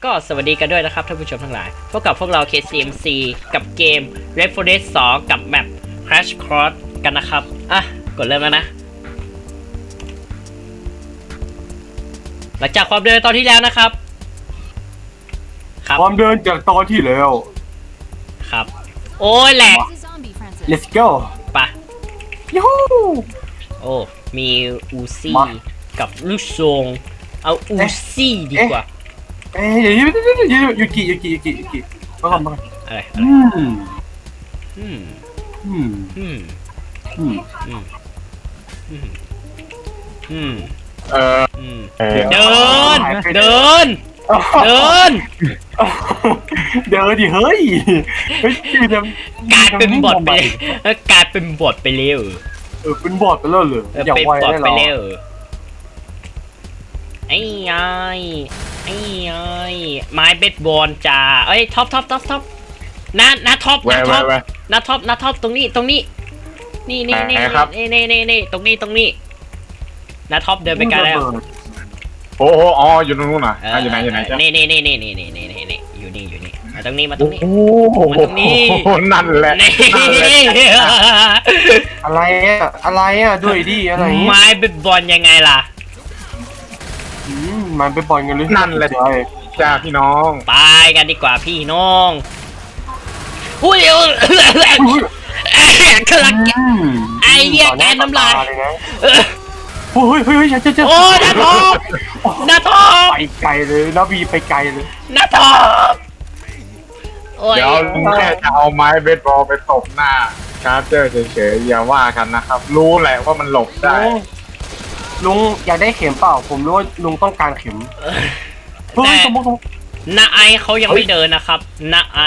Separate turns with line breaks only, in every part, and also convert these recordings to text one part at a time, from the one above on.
ก็สวัสดีกันด้วยนะครับท่านผู้ชมทั้งหลายพบกับพวกเรา KCMC กับเกม Red Forest 2 กับแมป Crash Course กันนะครับอ่ะกดเริ่มแล้วนะหลังจากความเดินตอนที่แล้วนะครับ
ความเดินจากตอนที่แล้ว
ครับโอ้ยแหลก
let's go
ปะ
ยูฮู
โอ้มีอูซี่กับลูกซองเอาอูซี่ดีกว่า
เดี๋ยวยูกิมาก่อน
อะไรเดินดิเฮ้ยกลายเป็นบอทไปเร็ว
เป็นบอทไปแล้วเลย
เป็นบอทไปเร็วไอ้ไม้เบสบอลจ้าเอ้ยท็อปน้าท็อปตรงนี้นี่ตรงนี้น้าท็อปเดินไปไกลแล้ว
โอ้โหอ๋ออยู่ตรงนู้นน่ะอยู่ไหน
นี่อยู่นี่มาตรงนี้
โอ้นั่นแหละ
อะไรอ่ะด้วยดิอะไร
ไม้เบสบอลยังไงล่ะ
มันไปบอลกันเลย
นั่นแหละจ้าพี่น้อง
ไปกันดีกว่าพี่น้องอุ้ยกำลังไอ้เหี้ยแกน้ำลาย
เฮ้ยเจอ
โอ้น้าท็อป
ไปไกลเลยน้าบีไปไกลเลย
น้าท็อป
เดี๋ยวแค่จะเอาไม้เบสบอลไปตบหน้าชาร์เจอร์เฉยๆอย่าว่ากันนะครับรู้แหละว่ามันหลบได้
ลุงอยากได้เข็มเปล่าผมรู้ว่าลุงต้องการเข็ม
แต่น้าไอเขายังไม่เดินนะครับน้าไอ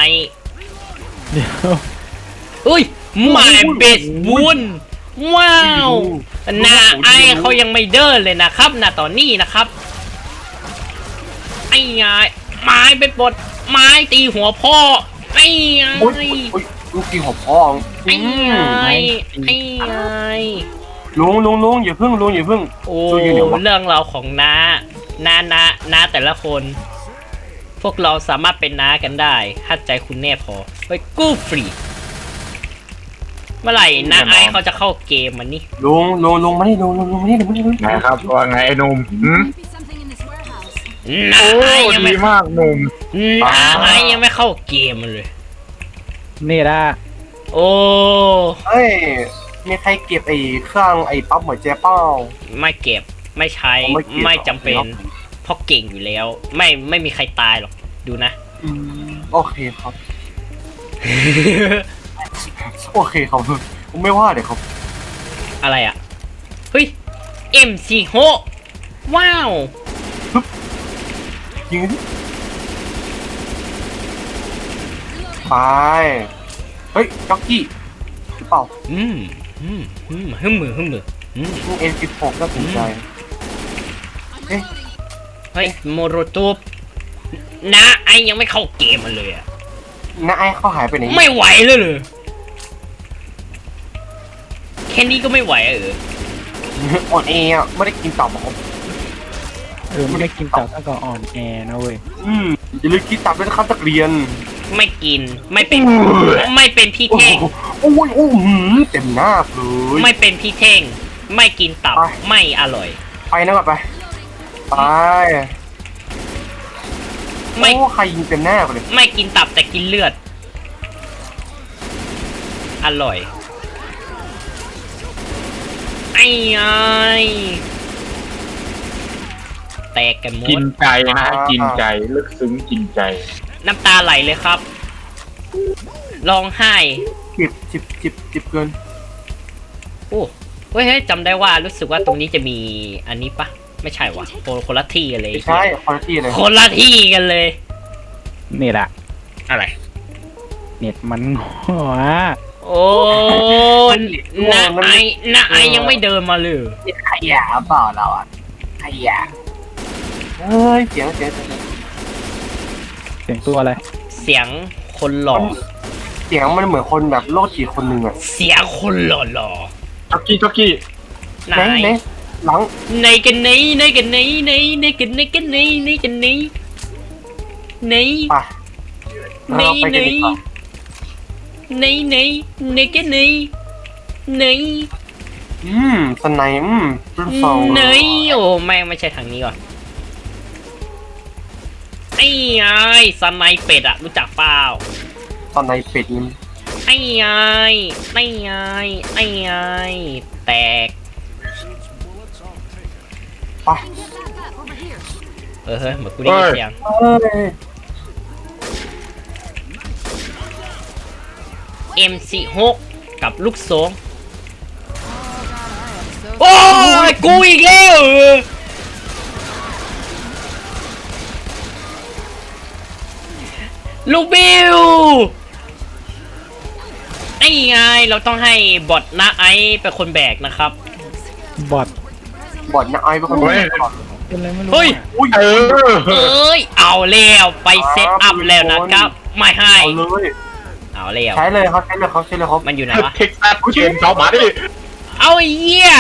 อุ้ยหมายเบสบุญว้าวน้าไอเขายังไม่เดินเลยนะครับณตอนนี้นะครับไอ้ไงไม้เป็นบทไม้ตีหัวพ่อไอ้ไง
ลูกตีหัวพ่อ
ไอ้ไง
ลุงอย่าพึ่ง
โอ้เรื่องราวของน้าแต่ละคนพวกเราสามารถเป็นน้ากันได้ถ้าใจคุณแน่พอเฮ้ยกู้ฟรีเมื่อไหร่น้าไอเขาจะเข้าเกมมันนี่
ลุงมานี่ลุง
นะครับว่าไงไอ้หนุ่ม
น้าไอยังไม่
มากหนุ่ม
น้าไอยังไม่เข้าเกมมันเลย
นี่ละ
โอ้
เฮ้ยมีใครเก็บไอ้เครื่องไอ้ปั๊มหัวใจเป้า
ไม่เก็บไม่ใช้ไม่จำเป็นเพราะเก่งอยู่แล้วไม่มีใครตายหรอกดูนะ
โอเคครับโอเคครับผมไม่ว่าเดี๋ยวครับ
อะไรอ่ะเฮ้ย M46 ว้าว
ยิงไปเฮ้ยจ็อกกี้หรือเปล่า
ฮึ่มมือ
M16น่าสนใจ
เฮ้ยโมโรตูปน้าไอยังไม่เข้าเกมมันเลยอ่ะ
น้าไอเขาหายไปไหน
ไม่ไหวเลยแค่นี้ก็ไม่ไหว
อ่อนแออ่ะไม่ได้กินตับหรอ
ไม่ได้กินตับแล้วก็อ่อนแอนะเว้ย
อย่าลืมกินตับด้วยนะครับนักเรียน
ไม่กินไม่เป็นพี่เท่ง
โอ้ยเต็มหน้าเลย
ไม่เป็นพี่เท่งไม่กินตับไม่อร่อย
ไปนะก่อนไปไม่ใครยิงเต็มหน้าเลย
ไม่กินตับแต่กินเลือดอร่อยไอ้แตกกันหมด
กินใจนะกินใจลึกซึ้งกินใจ
น้ำตาไหลเลยครับร้องไห้
จิบเกิน
โอ้เฮ้ยจำได้ว่ารู้สึกว่าตรงนี้จะมีอันนี้ปะไม่ใช่วะคนละที่กันเลย
ใช่คนละที่เลย
กันเลย
นี่แหละ
อะไร
เน็ตมันหัว
โอ้น้าไอยังไม่เดินมาเลย
ขยะเปล่าเราอ่ะขยะเฮ้ยเสียง
ตัวอะไร
เสียงคนหล่อ
เสียงมันเหมือนคนแบบโลกจิตคนหนึ่งอ่ะ
เสียงคนหล่อ
จ็อกกี้
ไหนหลัง
ในกันไหนไหน
ไป
ไหน
เราไป
ไหน
กันดีกว่า
ไหนไหนไหนกันไหนไหน
สไนรุ่นสอง
ไหนโอ้แม่งไม่ใช่ทางนี้ก่อนไอ้ไงสไนเป็ดอะรู้จักเปล่า
สไนเป็ดนี่
ไอ้ไงไอ้ไงไอ้ไงแตก
ไป
เฮ้ยเหมือนกูได้ยินเสียง
เอ้ย
MC6 กับลูกโซงโอ้ยกูอีกแล้วลูกบิวไอ้ไงเราต้องให้บอทนะไอเป็นคนแบกนะครับ
บอด
บอดนะไอ้เป็นคน
เฮ้ย
ก่อน
เป็นอะไรไม่รู้
เฮ้ย
อุ้ย
เออ
เอ้ยเอาแล้วไปเซตอัพแล้วนะครับ ไม่ให้
เอาเลย
เอาแล้ว
ใช้เลยครับใช้เลยครับใช้เลยครับ
มันอยู่ไหนวะ
เท็กซัสเกมชาวหมาดิ
เอาไอ้เหี้ย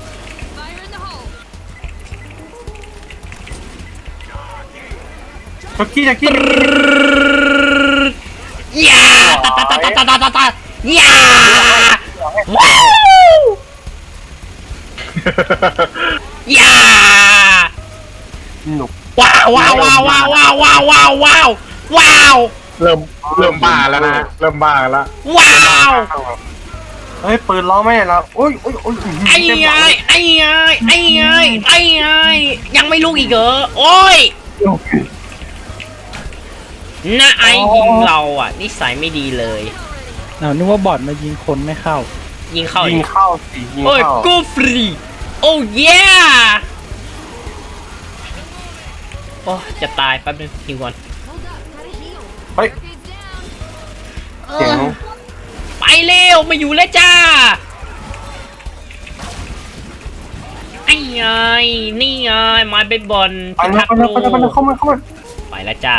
จ็อกกี้
อย่าตาตาตาตาตาตาตาอย่าว้าวอย่า
หนุก
ว้าวว้าวว้าวว้าวว้าวว้าวว้าวว้าวว้าว
เริ่มบ้าแล้วนะเริ่มบ้าแล้ว
ว้าว
เฮ้ยปืนล้อไม่ได้แล้วอุ้ย
ไอ้ไงไอ้ไงไอ้ไงไอ้ไงยังไม่ลุกอีกเหรอโอ้ยน้าไอยิงเราอ่ะนิสัยไม่ดีเลย
เอานึกว่าบอดมายิงคนไม่เข้า
ยิงเข้า
ยิงเข้าสิยิง
โอ้ย
เข้า
กูฟรีโอ้ยโอ้จะตายแป๊บนึงฮิวก่อน
เฮ้ยเสียง
ไปเร็วมาอยู่แล้วจ้าไอ้ไงนี่ไงมาเบสบอล
ไปแล้วไปแล้วเข้ามา
ไปแล้วจ้า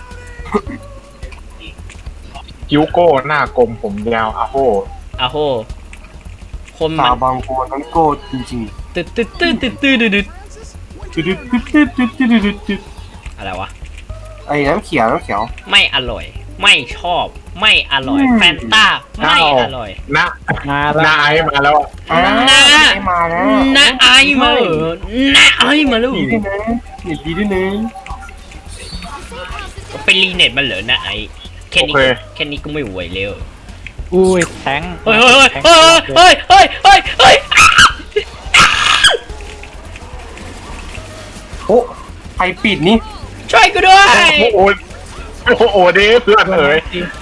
คิวโก้หน้ากลมผมยาวอะโห
อาโหคน
สา
มัน
บางคนนั้นโก้จริง
ตึ๊ดตึ๊ดตึ๊ดตึ๊ดตึ๊ดตึ๊ด
ๆ
อะไรวะ
ไอ้น้ำเขียว
ไม่อร่อย ไม่ชอบไม่อร่อยแฟนต้าไม่อร่อย
นะ
มา
ห
แล้ว
น้าไอมาแล้วอะ
ไม่มาแล้ว
น้าไอมาเหรอน้าไอมาแล้ว
ดีด้วยนะดีด้วยนะ
เป็นรีเน็ตมันเหรอน้าไอแค่นี้แค่นี้ก็ไม่ไหวเร็ว
อุ้ยแทง
เฮ้ยเฮ้ยเฮ้ยเฮ้ยเฮ้ยเฮ้ยเฮ้ย
โอ้ใครปิดนี่
ช่วยกูด้วย
โอ้โหเด้เพื่อนเอ๋ย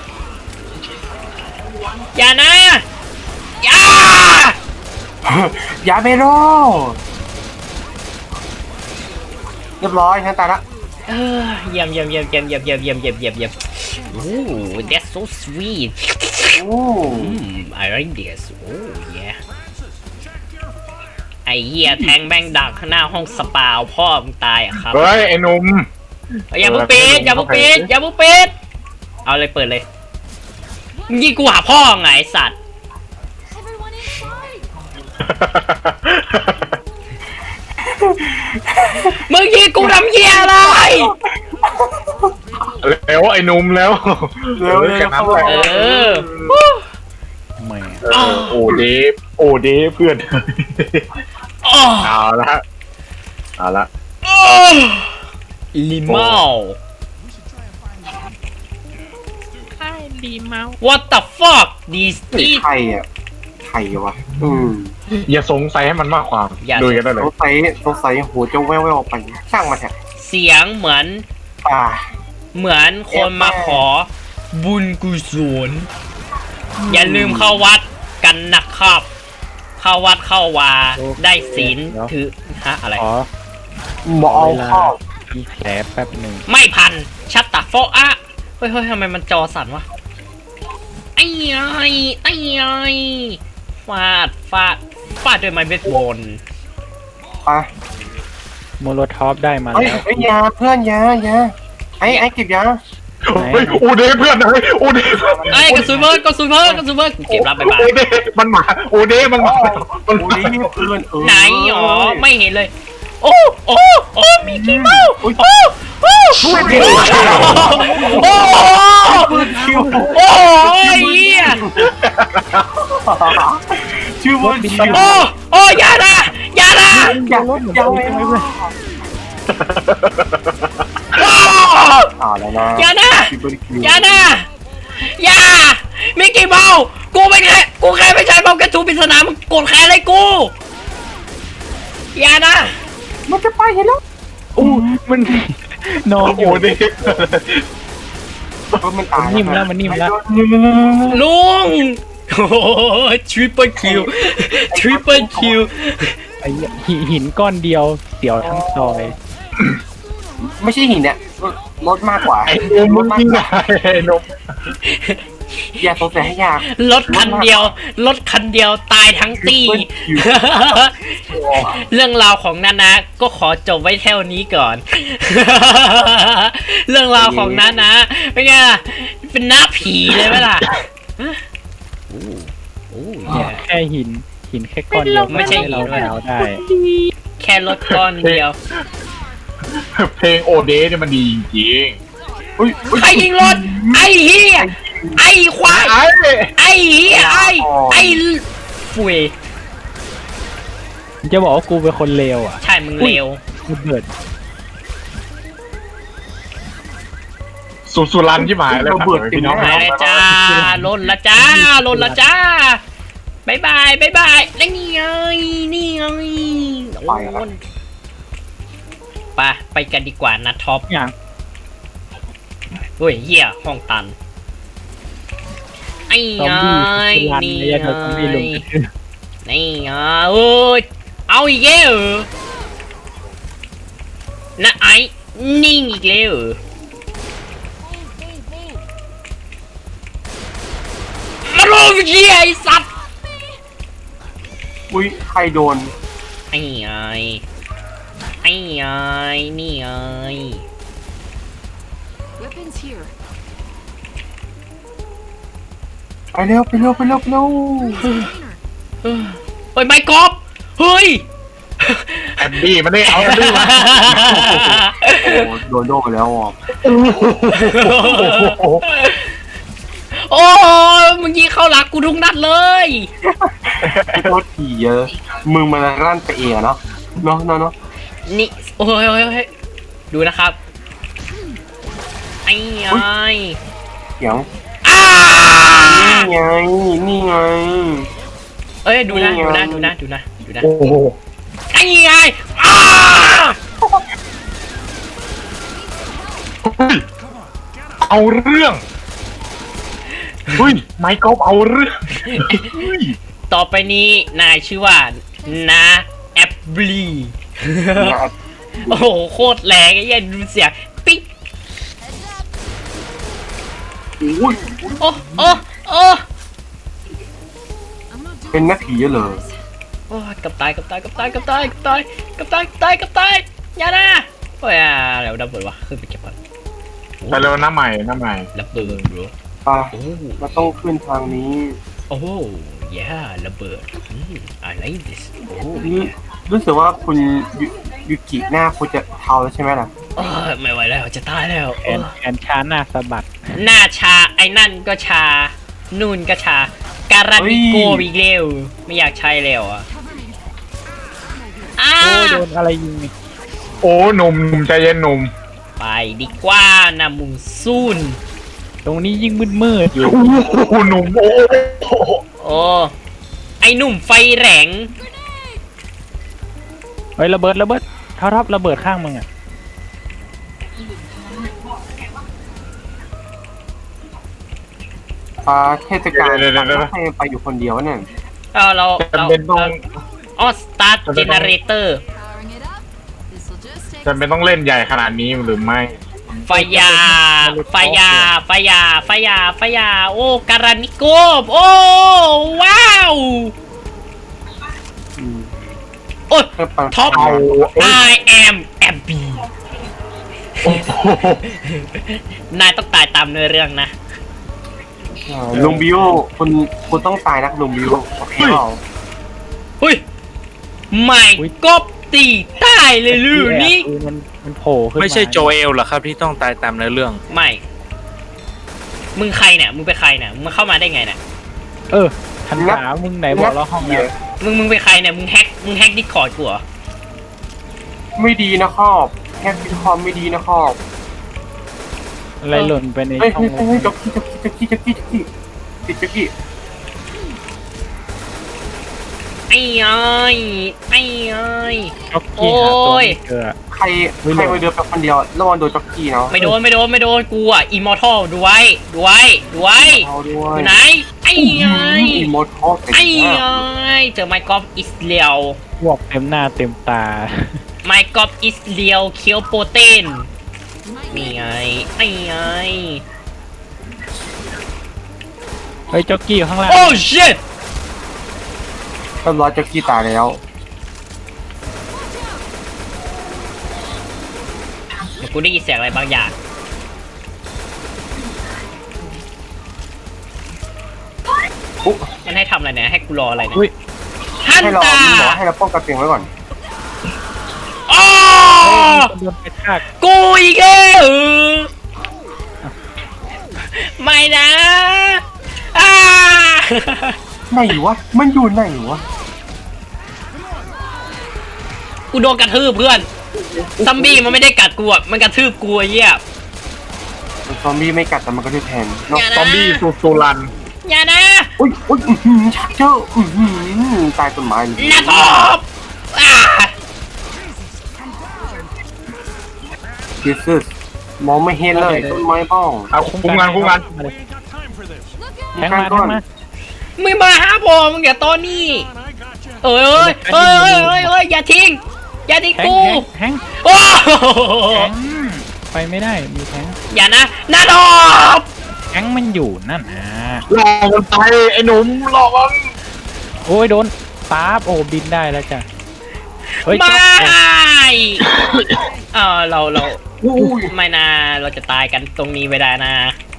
อย่านะอย่า
อย่าไปรอเรียบร้อยฉันตายละ
เยี่ยมโอ้ that's so sweet
โอ้
I like this oh yeah ไอ้เหี้ยแทงแม่งดักข้างหน้าห้องสปาพ่อมึงตายอ่ะครับ
เฮ้ยไอ้หนุ่ม
อย่าเพิ่งปิดอย่าเพิ่งปิดอย่าเพิ่งปิดเอาเลยเปิดเลยมึงยิงกูหาพ่อไงไอ้สัตว์มึงยิงกูทำเหี้ยอะไร
แล้วไอ้หนุ่มแล้ว
เร็ว
แค่นั้นแหละ
เออ
แหม่
โอ้เดเพื่อน
อ้อ
เอาละเอาละ
ลิเมา What the fuck this
นี่
is
ใครอ่ะใครวะ
อย่าสงสัยให้มันมากความ
อย่า
ดูกันได้เลย
สงสัยหูจะแว่วๆไปช่างมาเถอะ
เสียงเหมือน
ป่า
เหมือนคนมาขอบุญกุศลอย่าลืมเข้าวัดกันนะครับ เข้าวัดเข้าวาได้ศีลถือฮะอะไร
ขอ
หมอเอาข้าว
มีแผลแป๊บหนึ่ง
ไม่พันชัตตาโฟอะเฮ้ยทำไมมันจอสั่นวะไอ้ไอ้ฟาดด้วยไม้เบสบอล
ไป
โมโลทอฟได้มา
เฮ้ย
แล้ว
ยาเพื่อนยาไอ้เก็บยา
เฮ้ยโอเดเพื่อนเลยโอเด
ไอ้กระสุนเพิ่มกูเก็บรับไปบ้าง
โอเดมันมาโอเดมันมา
โอ้ยเพื่อน
ไหนอ๋อไม่เห็นเลย โอ้มีขี้เมาโอ้โอ้โห
คิว
โอ้โหไอ้เหี้ย
ชื่อว่าคิว
โอ้โอ้อย่านะอย่านะ
อย่ารถอย่า
ใช่ไหมเพื่อน
โอ้
แล้วนะ
อย่านะ
คิวคิว
อย่านะอย่ามิกกี้เมาส์กูไม่แค่กูแค่ไม่ใช่เมากระทูปริศนามึงโกรธแค้นอะไรกูอย่านะ
มันจะไปเห็นแล้ว
อู้มันนอน
โอ้
อยู่
โหนี่
มันตาย
มันนิ่มแล้วมันนิ่มแล้ว
ลุงโอ้ทริปเปิลคิวทริปเปิลคิว
ไอ้หินก้อนเดียวเสียวทั้งซอย
ไม่ใช่หินเนี่ยรถมากกว่า
ไอ้นมมึงยิงไงไอ้นม
อย่าสงสัยให้ยาก
รถคันเดียวรถคันเดียวตายทั้งตี เรื่องราวของนานะก็ขอจบไว้เท่านี้ก่อน เรื่องราวของนานะเป็นไงล่ะเป็นหน้าผีเลยไหมล่ะโอ้
เนี่ยแค่หินแค่ก้อนเดียว
ไม่ใช่หิน
เรา
ด้วย
ดาวได้
แค่รถก้อนเดียว
เพลงโอเดสเนี่ยมันดีจริง
ใครยิงรถไอ้เหี้ยไอ้ควาย
ไอ้
ไอ้เหี้ยไอ้ฟุย
จะบอกว่ากูเป็นคนเลวอ่ะ
ใช่มึงเลว
กูเบิด
สุรันที่หมายเลยพี่น้อง
ไปเลยจ้าลนละจ้าลนละจ้าบายบายบายบายแล้วนี่ไงนี่ไงโอ้ยไปกันดีกว่านะท็อป
อย่าง
เฮ้ยเหี้ยห้องตันไอ้
ซอ
ไง
มบี้คือรัน
นี่
ไอ้
ไง
ยันซอมบี้ลง
นี่ไงโอ้ยเอาอีกแล้วเหรอนะไอ้นิ่งอีกแล้วเหรอมาโลวิเชียไอ้สัตว์
อุ้ยใครโดน
ไอ้ไงไอ้ไงนี่ไง
Weapons here.
ไปเร็วไปเร็วไปเร็วไปเร็ว
เฮ้ยไมค์กอล์ฟเฮ้ย
แอนดี้มันได้เอาแอนดี้มา
โอ้โดนโดนไปแล้วอ่ะ
โอ้มึงยิงเข้าหลักกูทุกนัดเลย
โทษทีเยอะมึงมันรั่นไปเองอะเนาะเนาะเนาะเนาะ
นี่โอ้ยโอ้ยโอ้ยดูนะครับไอ้ไง
เสียง
อ้า
นี่ไงนี่ไง
เอ้ยดูนะ
นี่
ดู
ไง
นะดูนะดูนะดูนะ
โอ้โห
ไอ้ไงอ้า
เอาเรื่องเฮ้ยไมค์กอล์ฟเอาเรื่อง
ต่อไปนี้นายชื่อว่านาแอปบลี โอ้โหโคตรแรงไอ้เหี้ยดูเสียงปิ๊ก
อุ้ย
โอ้โอ้โอ้
I'm not doing
เป็นนักผีเหรอ
โอ้ยกับตายกับตายกับตายกับตายกับตายกับตายกับตายกับตายอย่านะโอ้ยเดี๋ยวดับเบิลวะขึ้นไปเก็บก่อน
ไปเร็วหน้าใหม่หน้าใหม่
ระเบิดบร
ป่ะ
โอ้
มันต้องขึ้นทางนี้
โอ้ยาระเบิดI like this โอ้
นี่รู้สึกว่าคุณยูกิหน้าคุณจะเทาแล้วใช่ไหมล่ะ
ไม่ไหวแล้วจะตายแล้ว
แอนช้าหน้าสะบัด
หน้าชาไอ้นั่นก็ชานู่นก็ชาการานิโกอีกเร็วไม่อยากใช้แล้วอ่ะอ้า
โอ้โดนอะไรยิงนี่
โอ้หนุ่มใจเย็นหนุ่ม
ไปดีกว่านะมุงซูน
ตรงนี้ยิ่งมืดๆอยู่
โอ้โหหนุ่มโอ้โห
โอ้ไอ้หนุ่มไฟแหลง
เฮ้ยระเบิดท็อประเบิดข้างมึงอ่ะ
เทศกาลให้ไปอยู่คนเดียวเนี่ย
เรา
จำเป็นต้อง
อ๋อสตาร์ทเจเนเรเตอร์
powering it up. This'll just take
จำเป็นต้องเล่นใหญ่ขนาดนี้หรือไม่
ไฟยาไฟยาไฟยาไฟยาไฟยาโอ้การานิโกโอ้ว้าว
อืม
โอ้ย
เพื่อไป
ท็อป
เอา
I am Abby
โอ้โห
นายต้องตายตามเนื้อเรื่องนะ
ลุงบิวคุณต้องตายนะลุงบิวโอเคเปล่า
เฮ้ยไม่กบตีตายเลยลือนี่
มันมันโผล่ขึ้นมา
ไม่ใช่โจเอลเหรอครับที่ต้องตายตามเนื้อเรื่อง
ไม่ มึงใครเนี่ยมึงเป็นใครเนี่ยมึงเข้ามาได้ไงเนี่ย
ทันขามึงไหนบอกเราห้องแล้ว
มึงเป็นใครเนี่ยมึงแฮกดิสคอร์ดกูเหรอ
ไม่ดีนะครอบแค่พิคอมไม่ดีนะครอบ
อะไรหล่นไปใน
เฮ้ย
ช่อง
เฮ้ยจ็อกกี้ติดจ็อกกี้
ไอ้เอ้ยไอ้เอ้ย
จ็อกกี้หาตัวไม่เจอ
ใครไปเดินไปคนเดียวระวังโดนจ็อกกี้เนาะ
ไม่โดนกูอ่ะอิมมอร์ทัลดูไว้
เอาด้ว
อย ยู่ไหนไอ้เอ้ย
อีโมดอล
ไอ้เอ้ยเจอไมค์กอล์ฟอิสเรียล
พวกเต็มหน้าเต็มตา
ไมค์กอล์ฟอิสเรียลเคียวโปรตีนนี่ไงไอ้เอ้ย
เฮ้ยจ็อกกี้อยู่ข้างล่าง
โอ้ชิต
เรียบร้อยจ็อกกี้ตายแล้ว
เดี๋ยวกูได้ยินเสียงอะไรบางอย่าง
ปุ๊บ
มันให้ทำอะไรเนี่ยให้กูรออะไรเนี่ย
อุ้ย
ฮัน
ให้เรา
ตา
หมอให้เราป้องกันตัวเองไว้ก่อน
อ๋อ
โดนไปทาก
กูอีกแล้วไม่นะอ้า
ไหนวะมันอยู่ไหนวะ
กูโดนกระทืบเพื่อนซัมบี้มันไม่ได้กัดกูอ่ะมันกระทืบกูไอ้เหี้ย
ซอมบี้ไม่กัดแต่มันก็จะแทนเนาะ
อย่านะ
ซอมบี้สุรัน
อย่านะ
อุ้ยชักเจอตายต้นไม้เลย
นะทบอ่า
ดิสมองไม่เห็นเลยต้นไม้บ้อง
เอาคุ้มกัน
แทงมาแทงมา
มึงมาหาผมมึงอย่าตอนนี้เอ้ยอย่าทิ้ง
แทง
กู
แทง
โอ้
แทงไปไม่ได้มีแทง
อย่านะนาทบ
แทงมันอยู่นั่นนะ
รอมันไปไอ้หนุ่มรอมัน
โอ้ยโดนป๊าบโอ้บินได้แล้วจ้ะเฮ้ย
ไม่
จ๊อก
เรา
อุ้ย
ไม่นะเราจะตายกันตรงนี้ไม่ได้นะ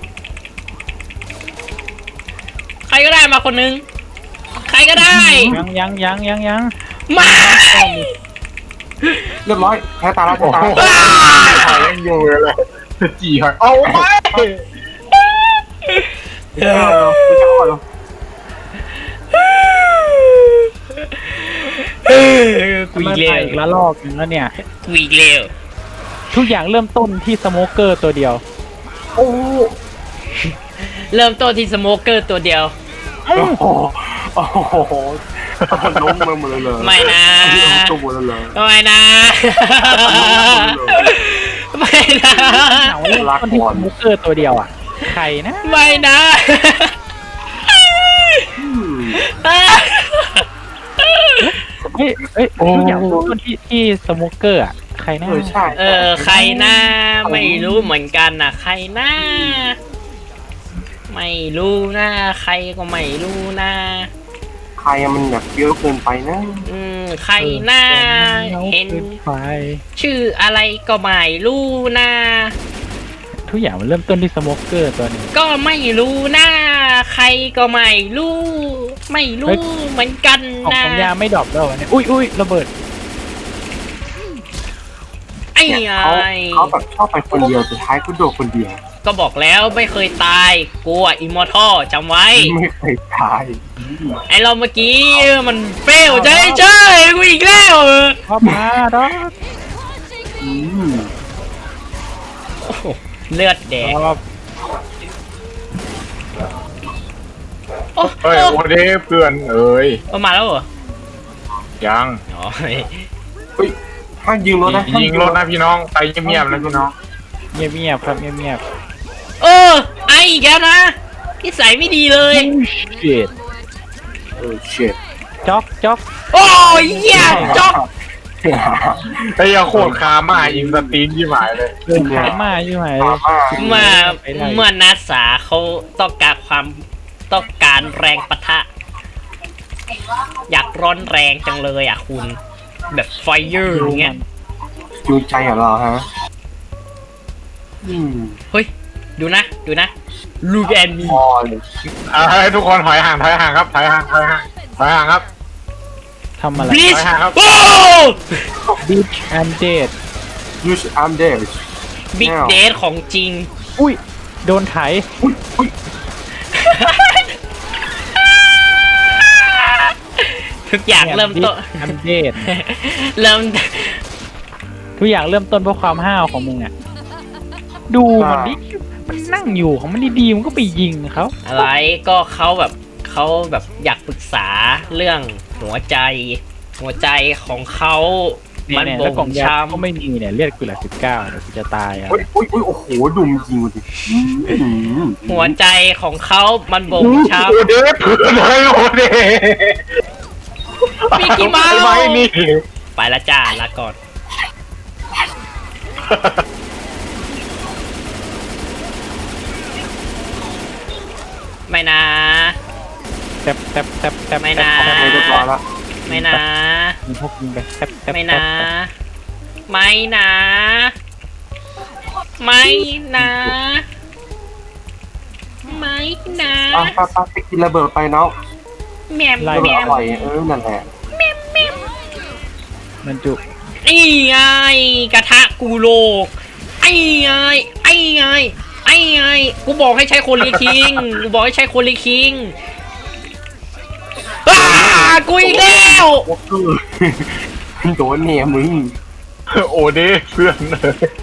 ใครก็ได้มาคนนึง ใครก็ได้
ยัง
มา
เรียบร้อยแพ้ตาแล้วแพ้
โอ้
ตา
โห
แล้ว
หอยยังอยู่เลยจีหอยเอาไป
คุณจะก่อนเหรอ
กูอีกเร็ว
อีกละลอกหนึงแล้วเนี่ย
กูอีกเร็ว
ทุกอย่างเริ่มต้นที่สโมเกอร์ตัวเดียว
โอ้
เริ่มต้นที่สโมเกอร์ตัวเดียว
โหล้มมาหมดเลย
ไม่นะ
ตัวหมดเลย
ไม่นะ ไม่นะ
เอาเริ่มต้นที่สโมเกอร์ตัวเดียวอ่ะใครนะ
ไม่นะ
เฮ้ยทุกอย่างเริ่มต้นที่สโมเกอร์อ่ะใครนะ
ใช่
ใครนะไม่รู้เหมือนกันนะใครนะไม่รู้นะใครก็ไม่รู้นะ
ใครมันแบบเยอะเกินไปนะ
ใครนะเห็น
ไฟ
ชื่ออะไรก็ไม่รู้นะ
ทุกอย่างมันเริ่มต้นที่สโมเกอร์ตัวนี้
ก็ไม่รู้นะใครก็ไม่รู้ ไม่รู้เหมือนกัน
ออก
นะ
สัญญาไม่ดรอปแล้วเนี่ยอุ้ยระเบิด
ไอ้
เนี่ย
ไอ้
เขาแบบชอบไปคนเดียวสุดท้ายก็โดนคนเดียว
ก็บอกแล้วไม่เคยตายกูอะอิมมอร์ทัลจำไว้
ไม่เคยตาย
ไอเราเมื่อกี้มันเฟลใช่กูอีกแล้ว
เข้ามาดอ
อืม
โอ้โหเลือดแดง
รอบ
โอ้
เฮ้ยโอเดเพื่อนเอ้ย
มาแล้วเหรอ
ยัง
อ๋อ
เฮ้ยห้ามยิงรถนะ
ยิงรถนะพี่น้องไปเงียบๆนะพี่น้อง
เงียบครับเงียบ
ไออีกแล้วนะนิสัยไม่ดีเลย
เจ็ด
เช็ด
จ็อก
โอ้ยเหี้ยจ๊อก
ไอ้ยาโคตรคามายิงสตรีมที่หมายเลย
เดินขามาอยู่ไหน
เมื่อนักศึกษาเขาต้องการแรงปะทะ อยากร้อนแรงจังเลยอ่ะคุณ แบบไฟเยอร์อย่างเงี้ย
จูใจเหรอเราฮะ
เฮ้ย ดูนะ ลูกแอนมี
พอเลย
ให้ทุกคนถอยห่างครับถอยห่างครับ
ทำอะไร
บลิช
ไปหาครับ
โอ้
บิชแอนเจด
use arm dash
บิ๊กเดทของจริง
อุ้ยโดนไถ
อุ้ยอุ้ย
ทุกอย่างเริ่มต้น
อัมเดต
เริ่ม
ทุกอย่างเริ่มต้นเพราะความห้าวของมึงอ่ะดูมันดิมันนั่งอยู่ของมันดีๆมันก็ไปยิงเขา
อะไรก็เขาแบบอยากปรึกษาเรื่องหัวใจของเขามัน
เนี่ย
บ่
แล้วกล่อง
ง
ยา
ช้
ก็ไม่มีเนี่ยเลือดกูเหลือ19เดี๋ยวกูจะตายอ่ะ
อุ้ยอุ้ยอุ้ยโอ้โหดุมยิงดิ
ำหัวใจของเขามันบ่งช้
โอเดฟเผื่อเลยโอเดฟ
ำมิกกี้เมา
ไอ้ใบ
ส์
นี่
ไปละจ้าลาก่อนไม่นะ
แทบแทบแทบแทบ
ไม่นะ
แค่เรียบร้อยละ
ไม่นะ
มีพวกยิงไปแทบแทบ
ไม่นะ ไม่นะ ไม่นะ ไม่นะ
ไปกินระเบิดไปเนาะ
แมม
ระ
แม
เบิดอ
ม
ร่อยนั่นแหละ
มันจุ
นี่ไงกระทะกูโลก ไอ้ไงไอ้ไงไอ้ไงกูบอกให้ใช้โคลีคิงกูบอกให้ใช้โคลีคิงอ้ากูอีกแล้ว
วอลเกอร์โดนเนี่ยมึง
โอเดฟเพื่อนเลย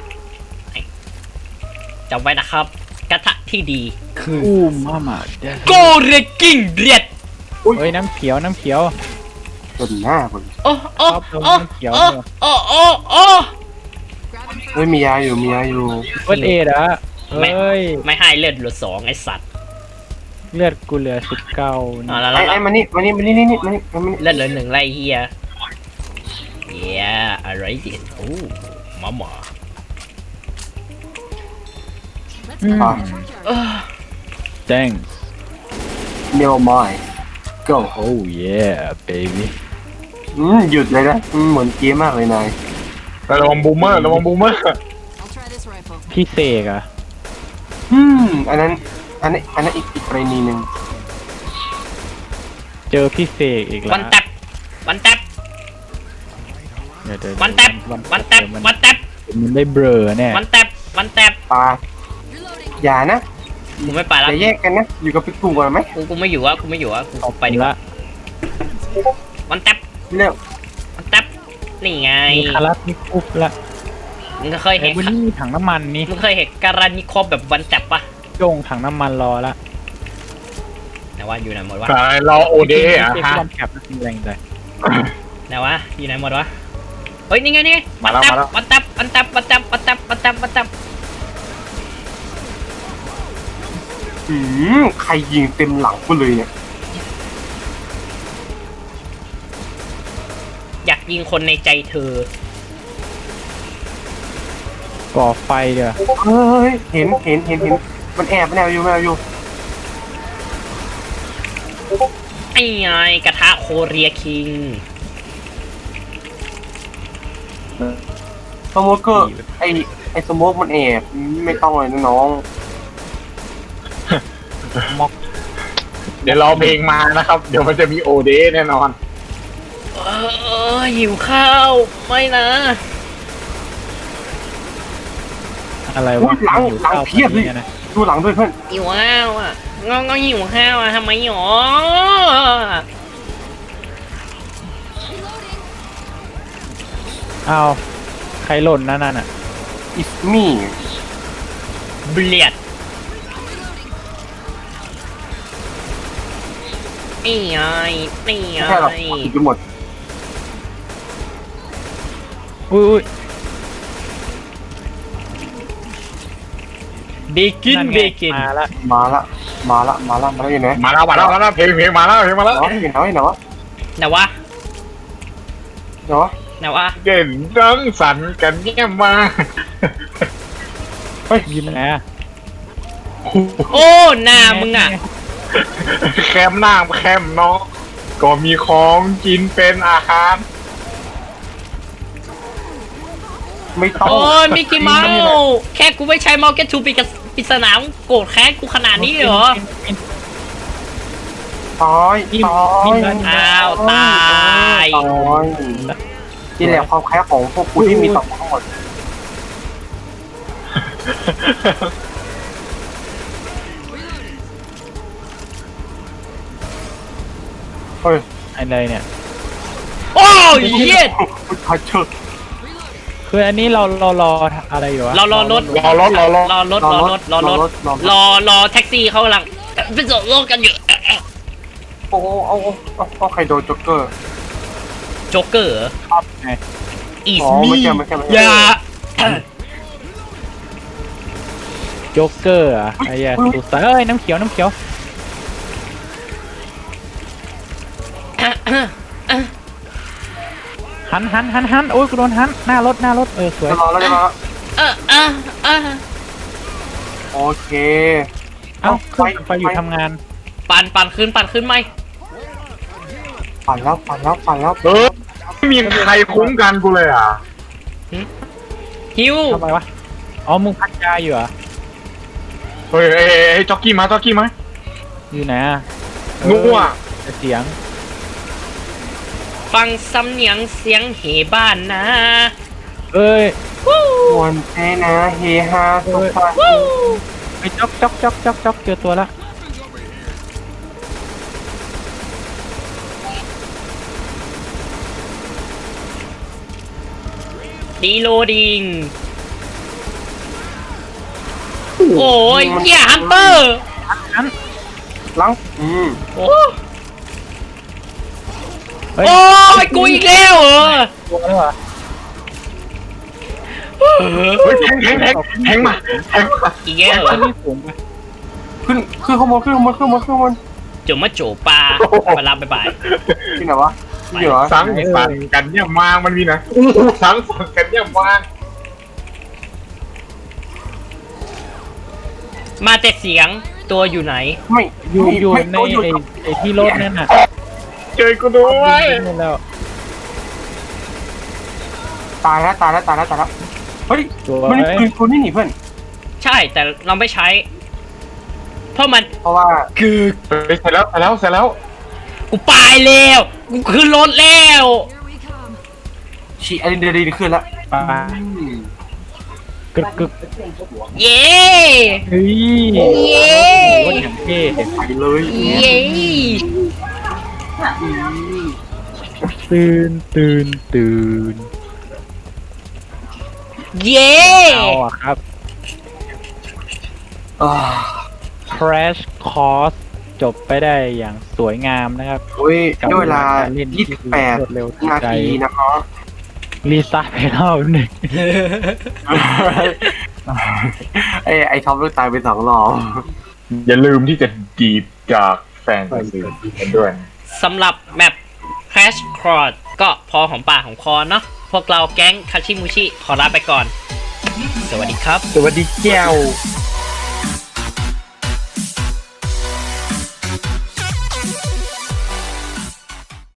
จำไว้นะครับ กระทะที่ดีคือ
อู้มามาเดี๋ยว
โกเรกิ้งเรียด
เฮ้ยน้ำเขียวน้ำเขียว
จนหน้ามึง
โอ้โอ้
ครับผม
โอ้
เขียว
โอ้โอ้โอ้โอ้
Grab and
เฮ้ยมียาอยู่มียาอยู่
เฟิร์สเอดอะเฮ้ย
ไม่ให้เลือดเหลือ2ไอสัตว์
เลือดกูเหลือ19
อ่ะแล้ว
ไอ้มานี่มานี่มานี่นี่มานี่มานี่
เลือดเหลือ1ไรเฮียเฮียอะไรดิโอ้มาหมา
let's go to the courtyard.
เออ
thanks
เนวมาย go
oh yeah baby
หยุดเลยนะเหมือนเกมมากเลยนาย
ระวังบูมเมอร์ระวังบูมเมอร์
I'll try this rifle.
พี่เสกอะ
อันนั้นอีกกรณีหนึ่ง
เจอพี่เสกอีกแล้ว
วันแท็บวันแท็บ
เดี๋ยว
วันแท็บวันแท็บวันแท็บ
มันได้เบลอแน่
วันแท็บวันแท็บ
ปลา
Reloading.
อย่านะ
กูไม่ไป
อ
แล้ว
ย่าแยกกันนะ อยู่กับพี่กูก่อนไหม
กูไม่อยู่อ่ะกูไม่อยู่อ่ะกู
ออก
ไปดีกว่า
ละ
วันแท็บ
เร็ว
วันแท็บนี่ไง
มีคารัสมีคุบละ
มึงเคย
ไอ้
เห็น
วันนี้มีถังน้ำมันนี่
มึงเคยเห็นการานิคอฟแบบวันแท็บปะ
โจงถังน้ำมันรอละ
ไหนวะอยู่ไหนหมดวะ
สายรอโอเดฟอะ
พี่
ฮะ
ลองแคปมีแรงใจ
ไหนวะอยู่ไหนหมดวะเฮ้ยนี่ไงนี่ไง
มาแล้วมาแล้ว
วันแท็บวันแท็บวันแท็บวันแท็บวันแท็บวันแท็บ
ใครยิงเต็มหลังกูเลยเนี่ย
อยากยิงคนในใจเธอ
ก่อไฟเดี๋ยว
เฮ้ยเห็นมันแอบอยู่
ไอ้ไงกระทะโคเรียคิง
สโมกเกอร์ไอ้สโมกมันแอบไม่ต้องเลยนะน้อง
เดี๋ยวรอเพลงมานะครับ เดี๋ยวมันจะมีโอเดฟแน่นอน
หิวข้าวไม่นะ
อะไร
อุ๊
วะ
ยหลังเพียบเลย
นะ
ดูหลังด้วยเพื่อน
หิวข้าวอ่ะงอหิวข้าวอ่ะทำไมหรอ
อ้าวใครหล่นนั่นน่ะ
อิสมี่
เบลียดนี่ไงนี่ไง
ไม่ใช่หรอกผิดไปหมด
อุ้ย
เบกิน
นั่นไง
เบกิน
มาละ
มาละอยู่ไหน
มาแล้วเพลงมาแล้ว
เนาะอยู่ไหนวะ
ไหนวะ
เนาะ
ไหนวะ
เก่งดังสรรค์กันแย่มา
ยิ้มไงอะ
โอ้หน้ามึงอ่ะ
แคมหน้าแคมเนาะก็มีของกินเป็นอาหาร
ไม่ต้อง
โอ้ยมิกกี้เมาส์แค่กูไม่ใช้เมาส์แกทูปิดสนามโกรธแค้นกูขนาดนี้เหรอ
ตาย
อ้าวตาย
นี่แหละความแค้นของพวกกูที่มีต่อทั้งหมดเฮ้ย
อะไรเนี่ย
โอ้ยเหี้ย
พัชเชอร์
คืออันนี้เรารออะไรอยู่วะ
รอรถ
รอรถ
รอแท็กซี่เขากำลังไปส่งรถกันอยู่
โอ้เอาใครโดนจ็อกเกอร์
โจ๊กเกอร์
ไง
อีส
อ๋อ
มี
ไม่ใช่ไม่ใช่ไม่ใช่
อย่า
โจ๊กเกอร์อะไอ้เหี้ยสุดสายเอ้ยน้ำเขียวน้ำเขียวหันโอ้ยกูโดนหันหน้ารถสวย
จะรอแล้วจะรอแล้ว
เออ
โอเค
เอ้าขึ้นไปอยู่ทำงาน
ปั่นขึ้นไหม
ปั่นแล้ว
ไม่มีใครคุ้มกันกูเลยอ่ะ
ฮิว
ทำไมวะอ๋อมึงพักยาอยู่เหรอ
เฮ้ยจ็อกกี้มา
อยู่ไหนอะ
นัว
แต่เสียง
ฟังสำเนียงเสียงเหบ้านนะ
เอ้ย
มวนเทนะเฮฮาสุขสันต์
ไปจ๊อกเจอตัวละ
ดีโลดิงโอ้ยเหี้ยฮันเตอร์
หลัง
โอ้
เฮ้ย
โอ้ยกูอีกแล้วเหรอ
ตัวแล้วเหรอ
เฮ้ยแทงมา
อีกแล้วเหรอ
นี่สูงไป
ขึ้นข้างบน
จมมาโจปลาไปลาไป
ที่ไหนวะที่เหรอ
สังสรรค์กันเนี่ยมางมันมีนะสังสรรค์กันเนี่ยมาง
มาแต่เสียงตัวอยู่ไหน
ไม่
อยู่
ไม่
ใน
อยู่
ไอ้ที่รถนั่นน่ะ
เจอกูด้วย
นี่แล้ว
ตายแล้วเฮ้ย
ตัว
มันปืนคนนี่หนีเพื่อน
ใช่แต่เราไม่ใช้ เพราะมัน
เพราะว่า
คือ
เฮ้ยเสร็จแล้ว
กูไปแล้วกูขึ้นรถแล้ว
Here we come.
ฉีอะดรีนาลีนขึ้นแล้ว
ปลา กึก
เย้
เฮ้ย
เย้
รถอย่างเท่
ไปเลย
เย้
ตื่น
เย้
เอาอะครับ
อ่า
Crash Course จบไปได้อย่างสวยงามนะครับ
โอ้ย
กับ
ด้วยเวลา
การเล่นที่รวดเร็วทัน
นา
ใจ
ทีนะครับ
รีซ่าไปรอบหนึ่ง
ไอ้ท็อปลูกตายไป2 รอบ
อย่าลืมที่จะจีบจากแฟนซีกันด้วย
สำหรับแมป Crash Course ก็พอของปากของคอเนาะพวกเราแก๊งคาชิมูชิขอลาไปก่อน สวัสดีครับ
สวัสดีแก้ว
ส